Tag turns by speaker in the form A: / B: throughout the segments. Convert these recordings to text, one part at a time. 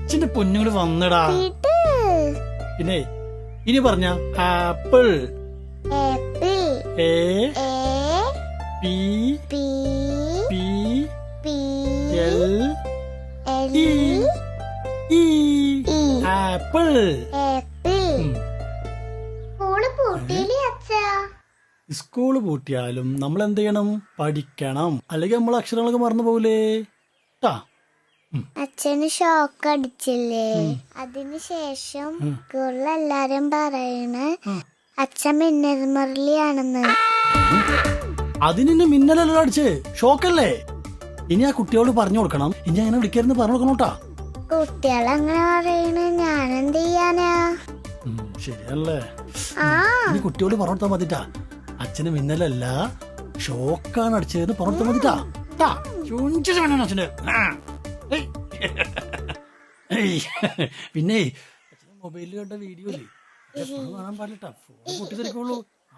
A: അച്ഛന്റെ പൊന്നുകൂടി വന്നടാ. പിന്നെ ഇനി പറഞ്ഞ apple A P P L E apple. School പൂട്ടിയാലും നമ്മൾ എന്ത് ചെയ്യണം? പഠിക്കണം. അല്ലെങ്കിൽ നമ്മൾ അക്ഷരങ്ങളൊക്കെ മറന്നു പോകൂലേ?
B: അച്ഛന് ഷോക്ക് അടിച്ചില്ലേ? അതിനുശേഷം സ്കൂളിലെല്ലാരും പറയണ അച്ഛൻ മിന്നൽ മുരളിയാണെന്ന്.
A: അതിന് മിന്നലല്ലോ അടിച്ച്, ഷോക്കല്ലേ? ഇനി ആ കുട്ടിയോട് പറഞ്ഞു കൊടുക്കണം, ഇനി അങ്ങനെ വിളിക്കരുന്ന് പറഞ്ഞു കൊടുക്കണോട്ടാ.
B: കുട്ടികളങ്ങനെ പറയണ ഞാനെന്ത് ചെയ്യാനാ?
A: ശരിയല്ലേ? ഇനി കുട്ടിയോട് പറഞ്ഞു കൊടുത്താൽ മതിട്ടാ, അച്ഛന് മിന്നലല്ല ഷോക്കാണ് അടിച്ചതെന്ന് പറഞ്ഞു കൊടുത്താൽ മതിട്ടാ. അച്ഛന് പിന്നെ മൊബൈലിൽ കണ്ട വീഡിയോ കാണാൻ പാടില്ലട്ടാ, ഫോൺ പൊട്ടിത്തെറിക്കുള്ളൂ.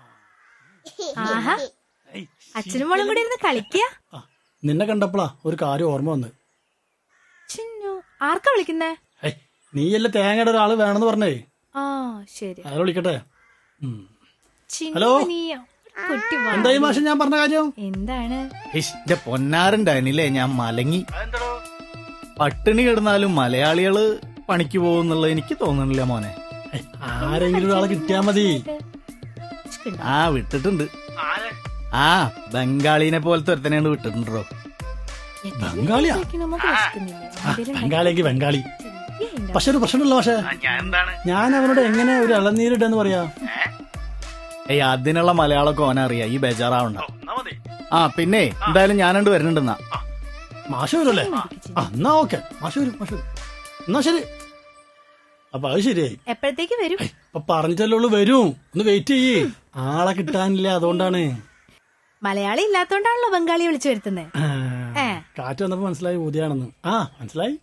C: അച്ഛനും മോളും കൂടി ഇരുന്ന് കളിക്കുക.
A: നിന്നെ കണ്ടപ്പോളാ ഒരു കാര്യം ഓർമ്മ വന്ന്.
C: ആർക്കാ വിളിക്കുന്നേ?
A: നീയല്ലേ തേങ്ങയുടെ ഒരാള് വേണമെന്ന് പറഞ്ഞേ.
C: ശരി,
A: അയാൾ വിളിക്കട്ടെ.
C: ഹലോ,
A: എന്തായി മാഷെ ഞാൻ പറഞ്ഞ കാര്യം?
C: എന്താണ്?
D: എന്റെ പൊന്നാറുണ്ടായിരുന്നില്ലേ, ഞാൻ മലങ്ങി. പട്ടിണി കിടന്നാലും മലയാളികള് പണിക്ക് പോകുന്നുള്ള എനിക്ക് തോന്നണില്ല മോനെ.
A: ആരെങ്കിലും ഒരാളെ കിട്ടിയാ മതി.
D: വിട്ടിട്ടുണ്ട്. ബംഗാളിനെ പോലത്തെ ഒരുത്തനെയാണ് വിട്ടിട്ടുണ്ടോ.
A: ബംഗാളിയാ? ബംഗാളിയെങ്കിൽ ബംഗാളി. പക്ഷെ ഒരു പ്രശ്നമല്ലോ പക്ഷെ, ഞാൻ അവനോട് എങ്ങനെ ഒരു ഇളനീരിട്ടെന്ന് പറയാ?
D: അതിനുള്ള മലയാളമൊക്കെ ഓനറിയാം, ഈ ബേജാറാവണ്ട. പിന്നെ എന്തായാലും ഞാനണ്ട് വരുന്നുണ്ടെന്നാ.
A: മാഷ് വരുമല്ലേ? എന്നാ ഓക്കെ, മാഷ് വരും. എന്നാ ശരി. അപ്പൊ അത് ശരിയായി.
C: എപ്പോഴത്തേക്ക് വരും?
A: അപ്പൊ പറഞ്ഞിട്ടല്ലേ വരും. ഒന്ന് വെയിറ്റ് ചെയ്യേ, ആളെ കിട്ടാനില്ല, അതുകൊണ്ടാണ്.
C: മലയാളി ഇല്ലാത്തോണ്ടാണല്ലോ ബംഗാളി വിളിച്ചു വരുത്തുന്നത്.
A: കാറ്റ് വന്നപ്പോ മനസ്സിലായി ഊതിയാണെന്ന്. മനസ്സിലായി.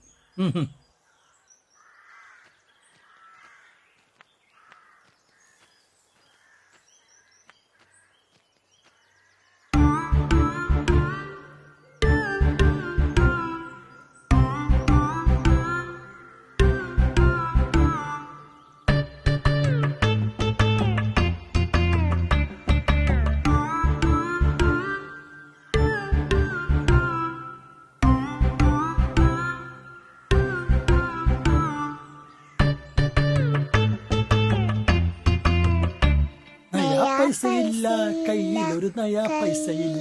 A: പൈസയില്ല, കയ്യിലൊരു നയാ പൈസയില്ല,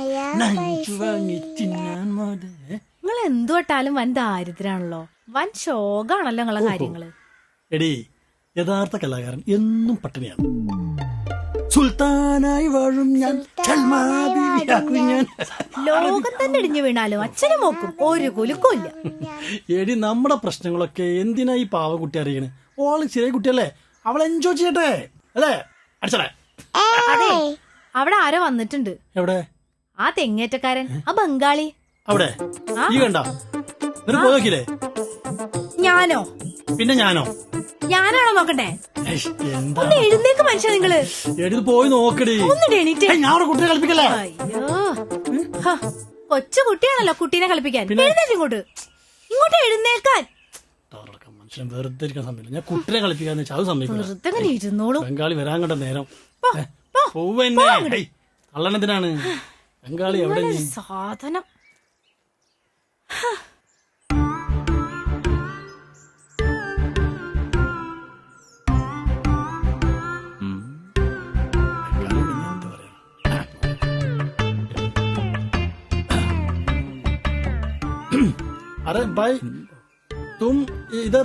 C: നിങ്ങൾ എന്തുവട്ടാലും വൻ ദാരിദ്രാണല്ലോ, വൻ ശോകാണല്ലോ നിങ്ങളെ കാര്യങ്ങള്.
A: എടീ, യഥാർത്ഥ കലാകാരൻ എന്നും പട്ടിണിയാണ്. സുൽത്താനായി വാഴും ഞാൻ,
C: ലോകം തന്നെ ഇടിഞ്ഞു വീണാലും അച്ഛനും നോക്കും, ഒരു കുലുക്കില്ല.
A: എടി, നമ്മുടെ പ്രശ്നങ്ങളൊക്കെ എന്തിനാ ഈ പാവക്കുട്ടി അറിയണേ? ഓള് ചെറിയ കുട്ടിയല്ലേ, അവൾ എൻജോയ് ചെയ്യട്ടെ, അല്ലേ? അടിച്ചടേ.
C: അതെ, അവിടെ ആരോ വന്നിട്ടുണ്ട്.
A: എവിടെ?
C: ആ തെങ്ങേറ്റക്കാരൻ, ആ ബംഗാളി.
A: അവിടെ ഈ കണ്ട പോയില്ലേ?
C: ഞാനോ?
A: പിന്നെ ഞാനോ?
C: ഞാനാണോ നോക്കണ്ടേ?
A: എന്താ
C: എഴുന്നേക്ക് മനുഷ്യ, നിങ്ങള്
A: എടുത്ത് പോയി നോക്കടി. ഞാൻ കുട്ടിയെ കളിപ്പിക്കല്ലേ?
C: അയ്യോ, കൊച്ചു കുട്ടിയാണല്ലോ കുട്ടീനെ കളിപ്പിക്കാൻ. എഴുന്നേറ്റ് ഇങ്ങോട്ട് എഴുന്നേൽക്കാൻ.
A: മനുഷ്യൻ വെറുതെ ഇരിക്കാൻ സമയമില്ല. ഞാൻ കുട്ടിയെ കളിപ്പിക്കാന്ന് വെച്ചാൽ അത് സമയമില്ല.
C: ഇരുന്നോളൂ.
A: ബംഗാളി വരാൻ കണ്ട നേരം പോവന്നെ. കള്ളനെന്തിനാണ് ബംഗാളി? എവിടെ
C: സാധനം?
A: अरे भाई तुम इधर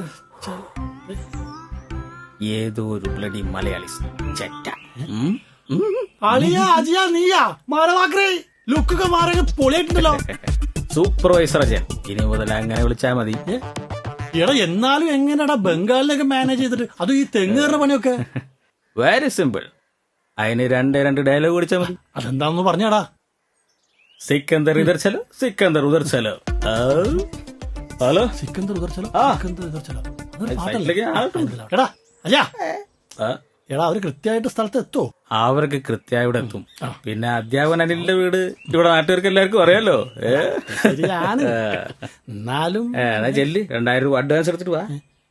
D: ഏതോ ഒരു ബ്ലഡി മലയാളി ചെറ്റ.
A: അളിയാ അജിയാ നീയാ മാറവാക്കറേ ലുക്കൊക്കെ മാറി പൊളിയായിട്ടുണ്ടല്ലോ.
D: സൂപ്പർവൈസർ അജയൻ, ഇനി മുതൽ അങ്ങനെ വിളിച്ചാ മതി.
A: എടാ, എന്നാലും എങ്ങനെയാടാ ബംഗാളിലൊക്കെ മാനേജ് ചെയ്തിട്ട്, അതും ഈ തെങ്ങേറുടെ പണിയൊക്കെ?
D: Very simple. അതിന് രണ്ട് ഡയലോഗ് വിളിച്ചാ മതി.
A: അതെന്താന്ന് പറഞ്ഞാടാ?
D: സിക്കന്ദർ ഇധർ ചലോ, സിക്കന്ദർ ഉധർ ചലോ. ഹലോ,
A: സിക്കന്ദർ ഉധർ ചലോ, സിക്കന്ദർ ഉധർ ചലോ.
D: സൈറ്റിലേക്ക്
A: എടാ അയ്യാ, എടാ അവര് കൃത്യമായിട്ട് സ്ഥലത്ത് എത്തോ?
E: അവർക്ക് കൃത്യമായി ഇവിടെ എത്തും. പിന്നെ അധ്യാപകൻ അനിലിന്റെ വീട് ഇവിടെ നാട്ടുകാർക്ക് എല്ലാവർക്കും അറിയാലോ.
A: ശരിയാണ്. എന്നാലും
E: എന്നാ ചെല്ല് 2000 രൂപ അഡ്വാൻസ് എടുത്തിട്ട് വാ.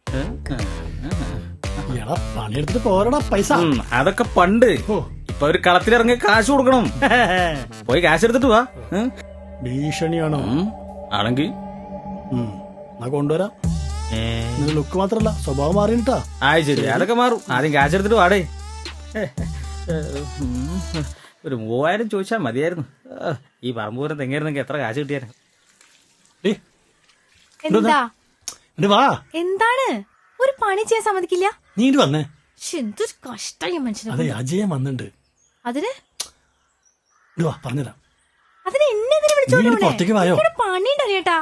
A: എടാ പണിയെടുത്തിട്ട് പോരടാ പൈസ.
E: അതൊക്കെ പണ്ട്. ഇപ്പൊ ഒരു കളത്തിലിറങ്ങി കാശ് കൊടുക്കണം. പോയി കാശ് എടുത്തിട്ട് വാ.
A: ഭീഷണിയാണോ?
E: ആണെങ്കി
A: എന്നാ കൊണ്ടുവരാം. ലുക്ക് മാത്രല്ല സ്വഭാവം മാറിയിട്ടാ.
E: ശരി, അതൊക്കെ മാറും. ആദ്യം കാശ് എടുത്തിട്ട് വാടേ. ഒരു 3000 ചോദിച്ചാൽ മതിയായിരുന്നു. ഈ പറമ്പൂരം തെങ്ങായിരുന്നെങ്കിൽ എത്ര കാശ് കിട്ടിയാലും.
C: എന്താ
A: വാ.
C: എന്താണ്? ഒരു പണി ചെയ്യാൻ സമ്മതിക്കില്ല.
A: നീ ഇങ്ങോട്ട് വന്നേ.
C: എന്തൊരു കഷ്ടായി മനുഷ്യനെ.
A: അതെ അജയൻ വന്നിട്ടുണ്ട്.
C: അതിന്
A: വാ പറഞ്ഞുതരാം.
C: അതിന് എന്നെ
A: പുറത്തേക്ക് വായോ.
C: പണി ഉണ്ടറിയട്ടാ.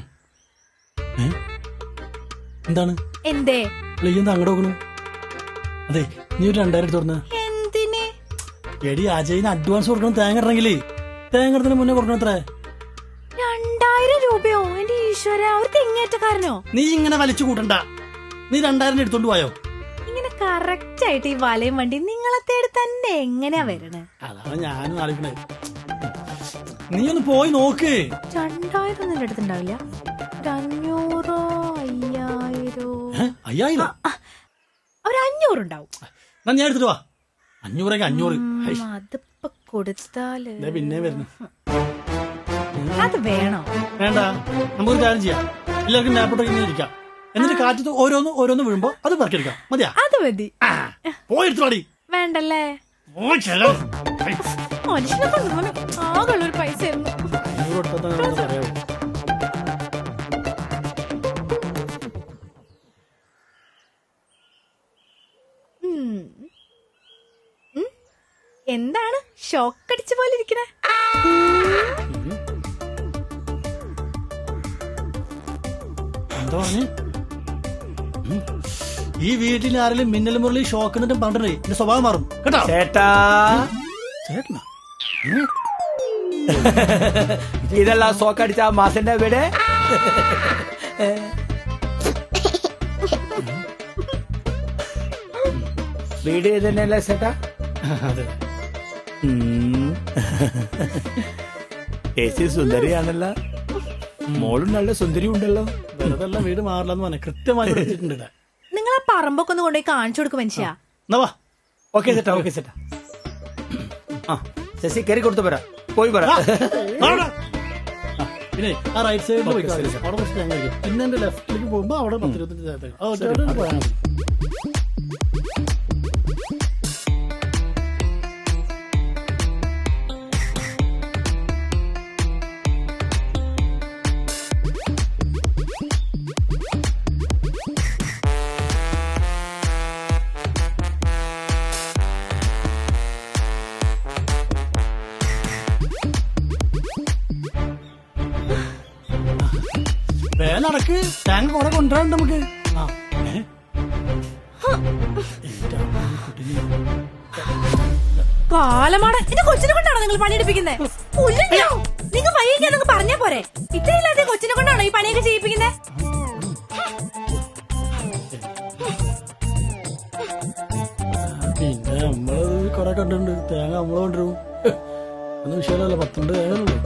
A: എന്താണ്
C: എന്തേ
A: എന്താ അങ്ങോട്ട് നോക്കണു? അതെ നീ ഒരു 2000 തുറന്ന.
C: എന്തിന്?
A: എടി അജയിന് അഡ്വാൻസ് കൊടുക്കണം. തേങ്ങ ഇടണമെങ്കിലേ തേങ്ങ മുന്നേ കൊടുക്കണം. എത്ര?
C: 2000 രൂപയോ? എന്റെ ഈശ്വര, ഒരു തെങ്ങേറ്റക്കാരനോ?
A: നീ ഇങ്ങനെ വലിച്ചു കൂട്ടണ്ട. നീ 2000 എടുത്തോണ്ട് പോയോ?
C: ഇങ്ങനെ കറക്റ്റ് ആയിട്ട് ഈ വലയും വണ്ടി നിങ്ങളെ തേടി തന്നെ എങ്ങനെയാ വരണേ?
A: അതാണ് ഞാനും ആലോചിക്കണേ. നീ ഒന്ന് പോയി നോക്ക്.
C: 2000 ഒന്നും എടുത്തുണ്ടാവില്ല. 500 5000
A: 5000
C: ഒരു 500 ഉണ്ടാവും.
A: ഞാൻ എടുത്തിട്ട് വാ. 500
C: അതിപ്പോ കൊടുത്താല്
A: പിന്നെ വരുന്നു.
C: അത് വേണോ?
A: വേണ്ട, നമുക്കൊരു കാര്യം ചെയ്യാം. എല്ലാവർക്കും മേപ്പോട്ടൊക്കെ ഇങ്ങനെ ഇരിക്കാം. എന്നിട്ട് കാറ്റത്ത് ഓരോന്ന് വീഴുമ്പോ അത് പറക്കെടുക്കാം. മതിയാ?
C: അത് മതി.
A: പോയി എടുത്തോടി.
C: വേണ്ടല്ലേ? മനുഷ്യനെ കൊണ്ടുപോകാൻ ആകെയുള്ളൊരു പൈസ ആയിരുന്നു.
A: 500 കൊടുത്താൽ പറയാവൂ.
C: എന്താണ് ഷോക്ക് അടിച്ച പോലെ ഇരിക്കണേ?
A: എന്താ പറഞ്ഞു? ഈ വീട്ടിൽ ആരെങ്കിലും മിന്നൽ മുരളി ഷോക്ക് എന്നിട്ടും പറഞ്ഞേ എന്റെ സ്വഭാവം മാറും കേട്ടോ.
E: ചേട്ടാ
A: ചേട്ടനാ
E: ഇതെല്ലാം ഷോക്കടിച്ച മാസന്റെ വീട്. വീട് തന്നെയല്ലേ ചേട്ടാ?
A: അതെ.
E: ചേച്ചി സുന്ദരിയാണല്ലോ. മോളും നല്ല സുന്ദരി ഉണ്ടല്ലോ.
A: വെറുതെ വീട് മാറില്ലെന്ന് പറഞ്ഞ കൃത്യമായി വെച്ചിട്ടുണ്ട്.
C: നിങ്ങളെ പറമ്പൊക്കെ ഒന്ന് കൊണ്ടുപോയി കാണിച്ചു കൊടുക്കും മനുഷ്യ.
A: എന്നാ വാ.
E: ഓക്കെ ചേട്ടാ, ഓക്കെ ചേട്ടാ. ശശി കയറി കൊടുത്തു പോരാ. പോയി പോരാ.
A: പിന്നെ ആ റൈറ്റ് സൈഡിൽ പോയി അവിടെ കുറച്ച് തേങ്ങ കഴിക്കും. പിന്നെ എന്റെ ലെഫ്റ്റിലേക്ക് പോകുമ്പോ അവിടെ 10-25 പോയാൽ മതി. വേലടക്ക് തേങ്ങ കുറെ കൊണ്ടുവരാണ്ട് നമുക്ക്.
C: കാലമാണ്. എന്റെ കൊച്ചിനെ കൊണ്ടാണോ നിങ്ങൾ പണിയെടുപ്പിക്കുന്നത്? നിങ്ങൾ വൈകിക്കാന്നൊക്കെ പറഞ്ഞാ പോരെ. ഇത്രയില്ലാതെ കൊച്ചിനെ കൊണ്ടാണോ ഈ പണിയൊക്കെ ചെയ്യിപ്പിക്കുന്നത്?
A: പിന്നെ നമ്മള് കൊറേ കണ്ടിട്ടുണ്ട്. തേങ്ങ നമ്മള് കൊണ്ടുവരും. ഒന്നും വിഷയമല്ല. 10 തേങ്ങ.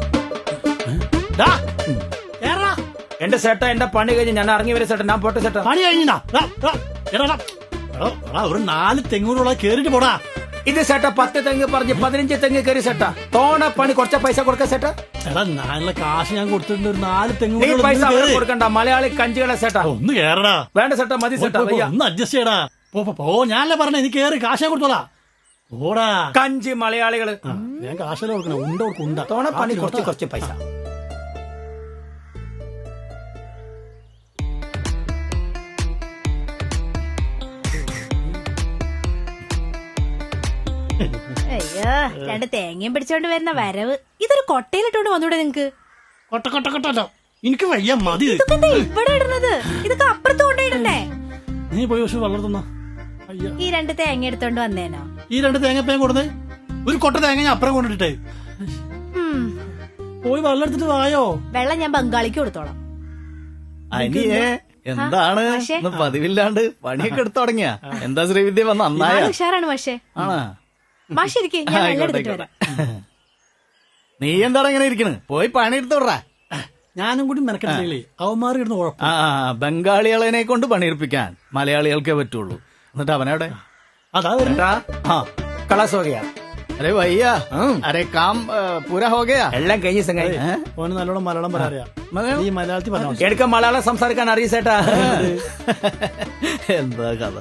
E: എന്റെ ചേട്ടാ, എന്റെ പണി കഴിഞ്ഞ് ഞാൻ ഇറങ്ങി വരെ ചേട്ടാ. ഞാൻ പോട്ടെ ചേട്ടാ.
A: പണി കഴിഞ്ഞാ ഒരു 4 തെങ്ങൂറുള്ള കേറിട്ട് പോടാ.
E: ഇത് ചേട്ടാ 10 തെങ്ങ് പറഞ്ഞ് 15 തെങ്ങ് കയറി ചേട്ടാ. തോണ പണി കുറച്ച പൈസ കൊടുക്ക ചേട്ടാ.
A: എടാ നല്ല കാശ് ഞാൻ കൊടുത്തിട്ടുണ്ട്. ഒരു 4
E: നീ
A: തെങ്ങൂറ്
E: പൈസ കൊടുക്കണ്ട. മലയാളി കഞ്ചികളെ ചേട്ടാ.
A: ഒന്ന് കേറടാ.
E: വേണ്ട ചേട്ടാ, മതി ചേട്ടാ.
A: ഒന്ന് അഡ്ജസ്റ്റ് ചെയ്യടാ. പോ. ഞാനല്ലേ പറഞ്ഞേ നീ കേറി കാശ് ഞാൻ കൊടുത്തോളാ. ഓടാ.
E: കഞ്ചി മലയാളികള്.
A: ഞാൻ കാശല്ലേ കൊടുക്കണം. ഉണ്ട
E: തോണ പണി കുറച്ച് പൈസ.
C: അയ്യോ, 2 തേങ്ങയും പിടിച്ചോണ്ട് വരുന്ന വരവ്. ഇതൊരു കൊട്ടയിലിട്ടോണ്ട് വന്നൂടെ നിങ്ങക്ക്?
A: കൊട്ട എനിക്ക് വയ്യ, മതി.
C: ഇതൊക്കെ എന്താ ഇവിടെ ഇടുന്നത്? ഇതൊക്കെ അപ്പുറത്ത് കൊണ്ടിടണ്ടേ?
A: നീ പോയി പക്ഷെ വളർത്തുന്ന.
C: ഈ 2 തേങ്ങ എടുത്തോണ്ട് വന്നേനോ?
A: ഈ 2 തേങ്ങ പേൻ കൊടുത്തേ. ഒരു കൊട്ട തേങ്ങ ഞാൻ അപ്പുറം കൊണ്ടിട്ടേ. പോയി വെള്ളം എടുത്തിട്ട് വായോ.
C: വെള്ളം ഞാൻ ബംഗാളിക്ക് കൊടുത്തോളാം.
D: അനിയേ എന്താണ് പതിവില്ലാണ്ട് പണിയൊക്കെ എടുത്തു തുടങ്ങിയ? എന്താ ശ്രീവിദ്യ വന്ന നന്നായ
C: ഉഷാറാണ് പക്ഷേ.
D: ആണാ?
C: മാഷിരിക്കേ ഞാൻ വെള്ളം
D: ആയിക്കോട്ടെ,
C: എടുത്തിട്ട് വരാം.
D: നീ എന്താണ് ഇങ്ങനെ ഇരിക്കണ്? പോയി പണി എടുത്തോടാ.
A: ഞാനും കൂടി മെനക്കെട്ടില്ലേ അവന്മാർ ഇടുന്ന കുഴപ്പം.
D: ആ ബംഗാളികളെ കൊണ്ട് പണിയെടുപ്പിക്കാൻ മലയാളികൾക്കേ പറ്റുള്ളൂ. എന്നിട്ട് അവനവിടെ
A: അതാ വരുന്നത്.
D: हाँ
E: കളാസ് ഹോ ഗയാ.
D: अरे भैया अरे काम पूरा हो गया.
E: എല്ലാം കഴിഞ്ഞ സംഗതി.
A: ഓന് നല്ലോണം മലയാളം പറയാ.
D: മലയാളം?
A: ഈ മലയാളത്തിൽ പറഞ്ഞാ മതി.
E: എനിക്ക് മലയാളം സംസാരിക്കാൻ അറിയ ചേട്ടാ.
D: എന്താ കഥ?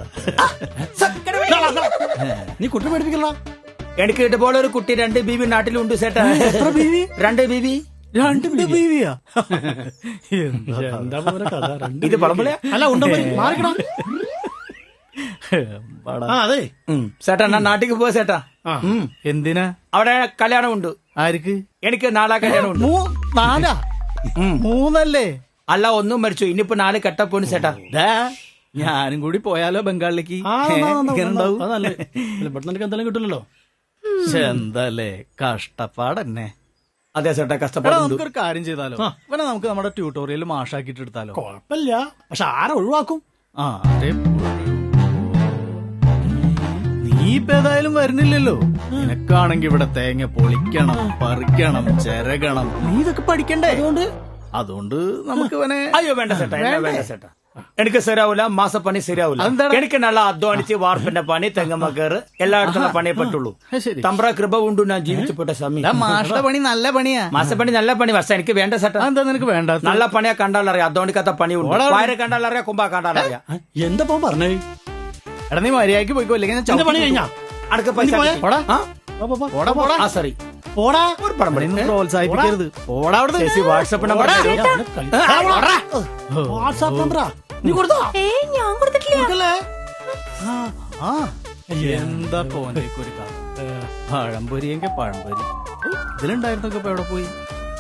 A: നീ കുട്ടി പഠിപ്പിക്കല.
E: എനിക്ക് ഇതുപോലെ ഒരു കുട്ടി 2 ബീവി നാട്ടിലുണ്ട് ചേട്ടാ.
A: എത്ര ബീവി?
E: 2 ബീവി.
D: 2 ബീവിയാ?
A: എന്താ പോലെ കഥ? രണ്ട്
E: ഇത് പറമ്പളയാ?
A: അല്ല ഉണ്ടോ മാറിക്കടാ. ആ അതെ
E: ചേട്ടാ ഞാൻ നാട്ടിക്ക് പോവാ ചേട്ടാ.
D: എന്തിനാ?
E: അവിടെ കല്യാണം ഉണ്ട്.
D: ആർക്ക്?
E: എനിക്ക് 4 കല്യാണം ഉണ്ട്.
D: 4? 3
E: അല്ല ഒന്നും മരിച്ചു. ഇനിയിപ്പോ 4 കെട്ടപ്പോണ് ചേട്ടാ.
D: ഞാനും കൂടി പോയാലോ ബംഗാളിലേക്ക്?
A: ആ,
D: എങ്ങനെ ഉണ്ടാവും?
A: അതല്ലേ പെട്ടെന്ന് എനിക്ക് എന്തെങ്കിലും കിട്ടില്ലല്ലോ.
D: എന്തല്ലേ കഷ്ടപ്പാടന്നെ.
E: അതെ ചേട്ടാ
D: എടാ,
E: കഷ്ടപ്പാടുണ്ട്.
D: നമുക്കൊരു കാര്യം ചെയ്താലോ? ഇവനെ നമുക്ക് നമ്മുടെ ട്യൂട്ടോറിയൽ മാഷാക്കിട്ട് എടുത്താലോ?
A: കൊഴപ്പില്ല, പക്ഷെ ആരെ ഒഴിവാക്കും?
D: ആ അതെ. നീ ഇപ്പൊ ഏതായാലും വരുന്നില്ലല്ലോ. നിനക്കാണെങ്കി ഇവിടെ തേങ്ങ പൊളിക്കണം, പറിക്കണം, ചിരകണം. നീ ഇതൊക്കെ പഠിക്കണ്ടേ? അതുകൊണ്ട് നമുക്ക് ഇവനെ
E: അയ്യോ വേണ്ട ചേട്ടാ, എന്നെ വേണ്ട ചേട്ടാ. എനിക്ക് ശരിയാവൂല, മാസപ്പണി ശരിയാവൂല.
D: അതെന്താണ്?
E: എനിക്ക് നല്ല അധ്വാനിച്ച് വാർപ്പിന്റെ പണി, തെങ്ങമ്മ കയറ് എല്ലായിടത്തുള്ള പണിയെ പറ്റുള്ളൂ.
D: ശരി.
E: തമ്പ്ര കൃപ കൊണ്ട് ഞാൻ ജീവിച്ചപ്പെട്ട സമയം.
D: എടാ, മാഷുടെ പണി നല്ല പണിയാ.
E: മാസപ്പണി നല്ല പണി, പക്ഷെ എനിക്ക് വേണ്ട ചേട്ടാ.
D: എന്താ നിനക്ക് വേണ്ട?
E: നല്ല പണിയാ കണ്ടാലറിയാം, അധ്വാനിക്കാത്ത പണിയുണ്ട്. വയറ് കണ്ടാലറിയാം, കുമ്പ കണ്ടാലറിയാം.
A: എന്താ പറഞ്ഞേ?
D: എടാ നീ മര്യാദക്ക് പോയിക്കോ, അല്ലെങ്കിൽ ഞാൻ
A: എന്റെ പണി കഴിഞ്ഞാ
E: അടക്ക പൈസ
A: പോയെ?
E: കിട്ടി.
D: പോടാ.
E: ആ?
D: പോടാ പോടാ.
E: ആ സോറി,
A: പോടാ.
E: ഒരു പടം
D: നീ പ്രോത്സാഹിപ്പിക്കരുത്. പോടാ അവിടെ
E: ചേച്ചി വാട്സപ്പ് നമ്പർ തരൂ.
A: വാട്സാപ്പ് നമ്പറാ നീ കൊടുത്തോ?
C: ഞാൻ കൊടുത്തിട്ടില്ല.
A: കൊടുക്കല്ലേ?
D: ആ എന്താ പോനേക്ക് ഒരു കഥ. പഴംപൊരിയെങ്കിൽ പഴംപൊരി. ഇതിലുണ്ടായിരുന്നൊക്കെ ഇപ്പൊ എവിടെ പോയി?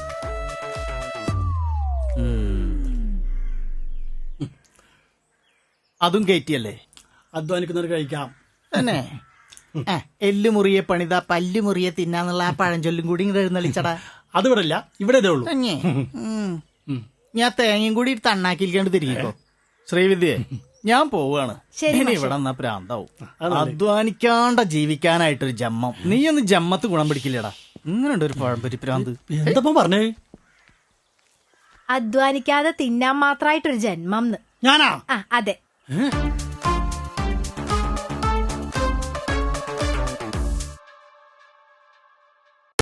D: അതും കയറ്റിയല്ലേ?
A: അധ്വാനിക്കുന്നവർ കഴിക്കാം.
D: തന്നെ എല്ലുമുറിയെ പണിത പല്ലുമുറിയെ തിന്നാന്നുള്ള ആ പഴഞ്ചൊല്ലും കൂടി ഇങ്ങനെ എഴുന്നള്ളിച്ചടാ.
A: അത് ഇവിടെ ഇല്ല, ഇവിടെ ഇതേ ഉള്ളൂ.
D: ഞാൻ തേങ്ങയും കൂടി തണ്ണാക്കിയിരിക്കാണ്ട് തിരികെക്കോ. ശ്രീവിദ്യേ, ഞാൻ പോവാണ്. ഇനി ഇവിടെ എന്നാ പ്രാന്താവും. അധ്വാനിക്കാണ്ട ജീവിക്കാനായിട്ടൊരു ജമ്മം. നീ ഒന്ന് ജമ്മത്ത് ഗുണം പിടിക്കില്ലടാ. ഇങ്ങനെയുണ്ട് ഒരു പഴംപൊരി പ്രാന്ത്.
A: എന്താ പറഞ്ഞേ?
C: അധ്വാനിക്കാതെ തിന്നാൻ മാത്രായിട്ടൊരു ജന്മം.
A: ഞാനാ?
C: അതെ.